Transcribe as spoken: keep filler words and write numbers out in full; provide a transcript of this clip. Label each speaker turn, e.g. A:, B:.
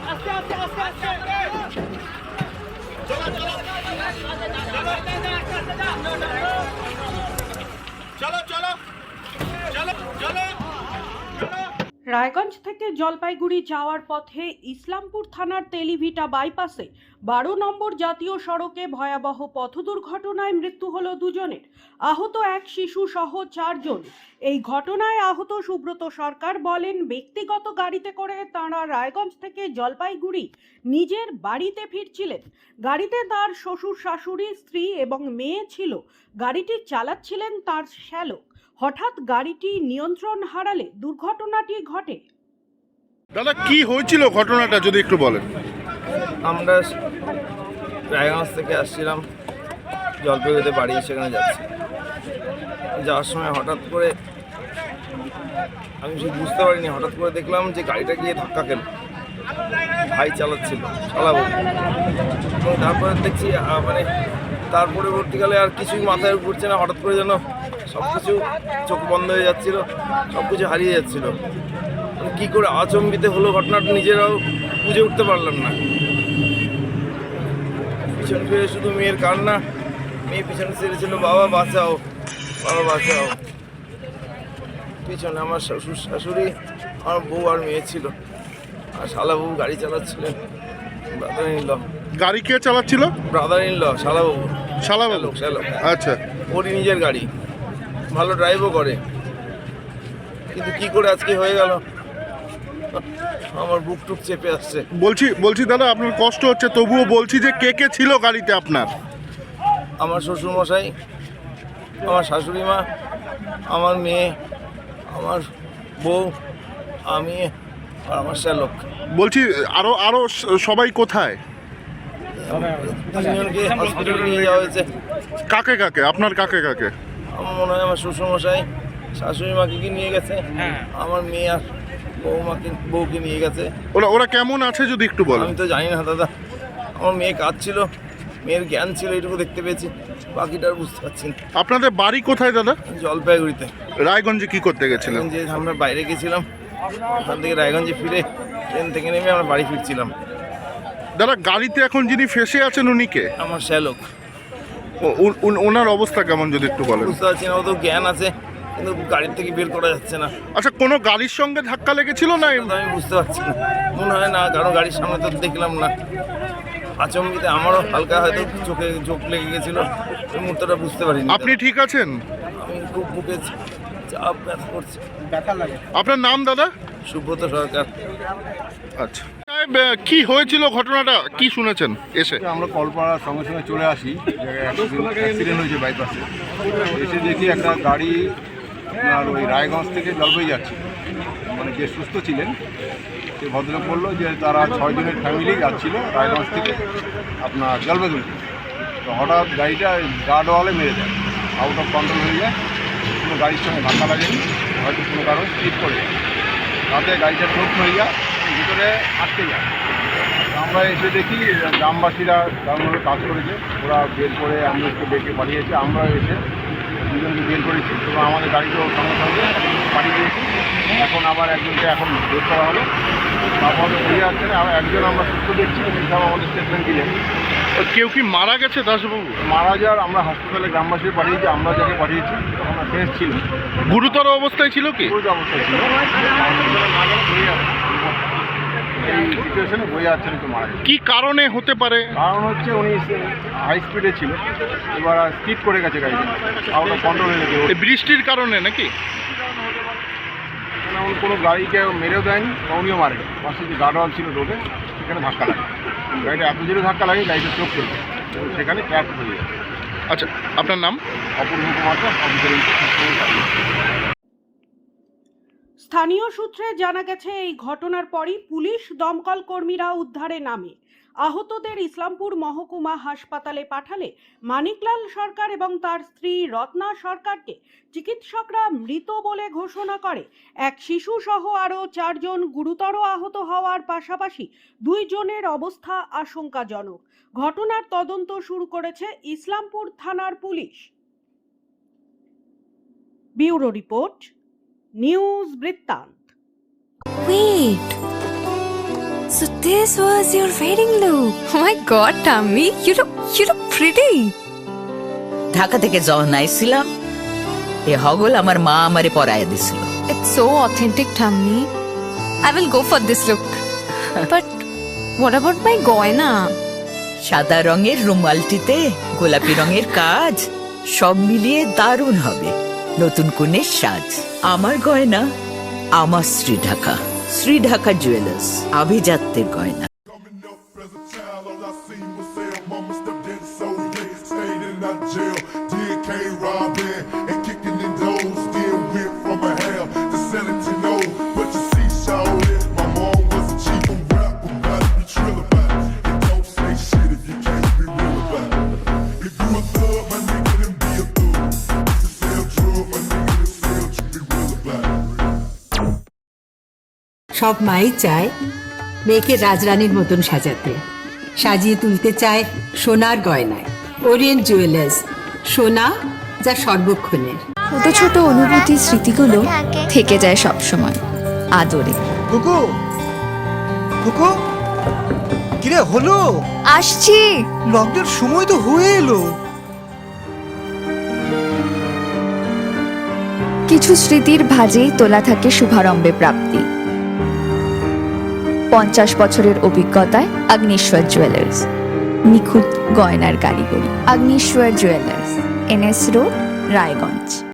A: রায়গঞ্জ থেকে জলপাইগুড়ি যাওয়ার পথে ইসলামপুর থানার তেলিভিটা বাইপাসে বারো নম্বর জাতীয় সড়কে ভয়াবহ পথ দুর্ঘটনায় মৃত্যু হলো দুজনের, আহত এক শিশু সহ চারজন। এই ঘটনায় আহত সুব্রত সরকার বলেন, ব্যক্তিগত গাড়িতে করে তাঁরা রায়গঞ্জ থেকে জলপাইগুড়ি নিজের বাড়িতে ফিরছিলেন। গাড়িতে তার শ্বশুর শাশুড়ি, স্ত্রী এবং মেয়ে ছিল। গাড়িটি চালাচ্ছিলেন তার শ্যালক। হঠাৎ গাড়িটি নিয়ন্ত্রণ হারালে দুর্ঘটনাটি ঘটে।
B: দাদা, কি হয়েছিল ঘটনাটা যদি একটু বলেন?
C: আমরা রায়গঞ্জ থেকে আসছিলাম জলপাইগুড়িতে বাড়ি, সেখানে যাচ্ছি। যাওয়ার সময় হঠাৎ করে আমি সে বুঝতে পারিনি, হঠাৎ করে দেখলাম যে গাড়িটা গিয়ে ধাক্কা খেল। ভাই চালাচ্ছিল, চালাবো, এবং তারপরে দেখছি মানে তার পরবর্তীকালে আর কিছুই মাথায় ঘুরছে না। হঠাৎ করে যেন সব কিছু চোখ বন্ধ হয়ে যাচ্ছিল, সব কিছু হারিয়ে যাচ্ছিল। কী করে আচম্বিত হলো ঘটনাটা নিজেরাও বুঝে উঠতে পারলাম না। পিছন ফিরে শুধু মেয়ের কান্না, মেয়ে পিছনে ছেড়েছিল, বাবা বাঁচাও, বাবা বাঁচাও। পিছনে আমার শ্বশুর শাশুড়ি, আমার বউ আর মেয়ে ছিল, আর শালা বউ গাড়ি চালাচ্ছিলেন। Brother in law.
B: গাড়ি কে চালাচ্ছিল?
C: ব্রাদার ইন ল, শালা বউ।
B: শালা বাবু?
C: শ্যালক।
B: আচ্ছা।
C: ওরই নিজের গাড়ি, ভালো ড্রাইভও করে, কিন্তু কি করে আজকে হয়ে গেল আমার বুক টুক চেপে আসছে।
B: বলছি বলছি দাদা, আপনার কষ্ট হচ্ছে, তবুও বলছি যে কে কে ছিল গাড়িতে আপনার?
C: আমার শ্বশুর মশাই, আমার শাশুড়ি মা, আমার মেয়ে, আমার বউ, আমি আর আমার শ্যালক।
B: বলছি আরো আরো সবাই কোথায়?
C: তিনজনকে হসপিটালে নিয়ে যাওয়া হয়েছে।
B: কাকে কাকে? আপনার কাকে কাকে?
C: আমার মনে হয় আমার শ্বশুর মশাই শাশুড়ি মাকে কি নিয়ে গেছে, আমার মেয়ে আর বৌমাকে বউকে নিয়ে গেছে।
B: ওরা ওরা কেমন আছে যদি একটু বলেন?
C: আমি তো জানি না দাদা, আমার মেয়ে কাঁদছিল, মেয়ের জ্ঞান ছিল, এইটুকু দেখতে পেয়েছি, বাকিটা আর বুঝতে পারছি না।
B: আপনাদের বাড়ি কোথায় দাদা?
C: জলপাইগুড়িতে।
B: রায়গঞ্জে কি করতে গেছিলেন?
C: যে আমরা বাইরে গেছিলাম, ওখান থেকে রায়গঞ্জে ফিরে ট্রেন থেকে নেমে আমরা বাড়ি ফিরছিলাম।
B: দাদা, গাড়িতে এখন যিনি ফেসে আছেন উনি কে?
C: আমার শ্যালক।
B: ওনার অবস্থা কেমন যদি একটু বলেন?
C: বুঝতে পারছি না, ও তো জ্ঞান আছে কিন্তু গাড়ির থেকে বের করা যাচ্ছে না।
B: আচ্ছা, কোনো গাড়ির সঙ্গে ধাক্কা লেগেছিল না?
C: আমি বুঝতে পারছি না, মনে হয় না, কারণ গাড়ির সামনে তো দেখলাম না। আচমকিতে আমারও হালকা হয়তো চোখে চোখ লেগে গেছিল, ওই মুহূর্তটা বুঝতে পারিনি।
B: আপনি ঠিক আছেন?
C: আমি খুব বুকে চাপ ব্যথা করছে। ব্যথা লাগে।
B: আপনার নাম দাদা?
C: সুব্রত সরকার।
B: আচ্ছা, কি হয়েছিল ঘটনাটা, কি শুনেছেন এসে?
D: আমরা কল পাওয়ার সঙ্গে সঙ্গে চলে আসি, অ্যাক্সিডেন্ট হয়েছে বাইপাসে। এসে দেখি একটা গাড়ি আর ওই রায়গঞ্জ থেকে জলপাইগুড়ি যাচ্ছে, মানে যে সুস্থ ছিলেন সে ভদ্রলোক বললো যে তারা ছয়জনের ফ্যামিলি যাচ্ছিল রায়গঞ্জ থেকে আপনার জলপাইগুড়ি। তো হঠাৎ গাড়িটা গার্ডওয়ালে মেরে দেয়, আউট অফ কন্ট্রোল হয়ে যায়, কোনো গাড়ির সঙ্গে ধাক্কা লাগেনি, হয়তো কোনো কারণ স্লিপ করে যায়, তাতে গাড়িটা ঠোক হয়ে যায়, ভিতরে আটকে যায়। আমরা এসে দেখি গ্রামবাসীরা গ্রামগুলো কাজ করেছে, ওরা বের করে অ্যাম্বুলেন্সকে ডেকে পাঠিয়েছে, আমরা এসে দুজনকে বের করেছি এবং আমাদের গাড়িকেও সঙ্গে সঙ্গে পাঠিয়ে দিয়েছি। এখন আবার একজনকে এখন বের করা হলো, তারপরে ঘুরে যাচ্ছে না, একজন আমরা সুস্থ দেখছি, সেসব আমাদের স্টেটমেন্ট দিলেন।
B: কেউ কি মারা গেছে দাসবাবু?
D: মারা যাওয়ার আমরা হাসপাতালে গ্রামবাসী পাঠিয়েছি, আমরা যাকে পাঠিয়েছি তখন ফ্রেশ ছিল।
B: গুরুতর অবস্থায় ছিল কি?
D: গুরুতর অবস্থায় ছিল, হসপিটালে না গেলে ঘুরে যাবে, এই সিচুয়েশনে বয়ে যাচ্ছেন একটু মারা গেছে।
B: কি কারণে হতে পারে?
D: কারণ হচ্ছে উনি হাই স্পিডে ছিল, এবার স্কিড করে গেছে গাড়িটা, আউট অফ কন্ট্রোল হয়ে গেছে।
B: বৃষ্টির কারণে নাকি?
D: এমন কোনো গাড়িকে মেরেও দেয়নি, উনিও মারেনি, পাশে যে গার্ডওয়াল ছিল রোডে সেখানে ধাক্কা লাগে, গাড়িটা এত জোরে ধাক্কা লাগে গাড়িটা চোখ চলবে, সেখানে ক্র্যাশ হয়ে যায়।
B: আচ্ছা, আপনার নাম?
D: অপূর্ব কুমার দাস, অফিসার।
A: স্থানীয় সূত্রে জানা গেছে, এই ঘটনার পরই পুলিশ দমকল কর্মীরা উদ্ধারে নামে। আহতদের ইসলামপুর মহকুমা হাসপাতালে পাঠালে মানিকলাল সরকার এবং তার স্ত্রী রত্না সরকারকে চিকিৎসকরা মৃত বলে ঘোষণা করে। এক শিশু সহ আরও চারজন গুরুতর আহত হওয়ার পাশাপাশি দুই জনের অবস্থা আশঙ্কাজনক। ঘটনার তদন্ত শুরু করেছে ইসলামপুর থানার পুলিশ। ব্যুরো রিপোর্ট, নিউজ বৃত্তান্ত।
E: Wait. So this was your wedding look. Oh my god, Tammy, you look you look pretty.
F: Dhaka থেকে যখন আইছিলাম এ হগল আমার মা আমারে পরায় দিছিল।
E: It's so authentic, Tammy. I will go for this look. But what about my goina?
F: সাদা রঙের রুমালটিতে গোলাপি রঙের কাজ, সব মিলিয়ে দারুণ হবে নতুন কনের সাজ। আমার গয়না আমার শ্রী ঢাকা, শ্রী ঢাকা জুয়েলার্স, আভিজাত্যের গয়না।
G: Coming up as a child, all I seen was Sam. Mama stepped in so late, stayed in that jail. Did K robbing and kicking in doors. Then went from a hell to selling to know. But you see, shawty, my mom was a cheap on rap, but gotta be trill about it. And don't say shit if you can't be real about it. If you a thug, my nigga, then be a thug. If you sell drugs, my nigga, then sell to be real about it.
H: সব মাই চায় মেয়েকে রাজরানীর মতন সাজাতে, সাজিয়ে তুলতে চায় সোনার গয়নায়। Orient jewellers, সোনা যা সর্বক্ষণের।
E: ছোট ছোট অনুভূতি স্মৃতিগুলো থেকে যায় সব সময় আদরে।
I: কুকু কুকু কিরে হলো?
E: আসছি।
I: লকডাউন সময় তো হয়ে এলো।
E: কিছু স্মৃতির ভাজেই তোলা থাকে শুভারম্ভে প্রাপ্তি। পঞ্চাশ বছরের অভিজ্ঞতায় আগ্নেশ্বর জুয়েলার্স, নিখুঁত গয়নার কারিগরি। Agneshwar jewellers, NS road, Raiganj.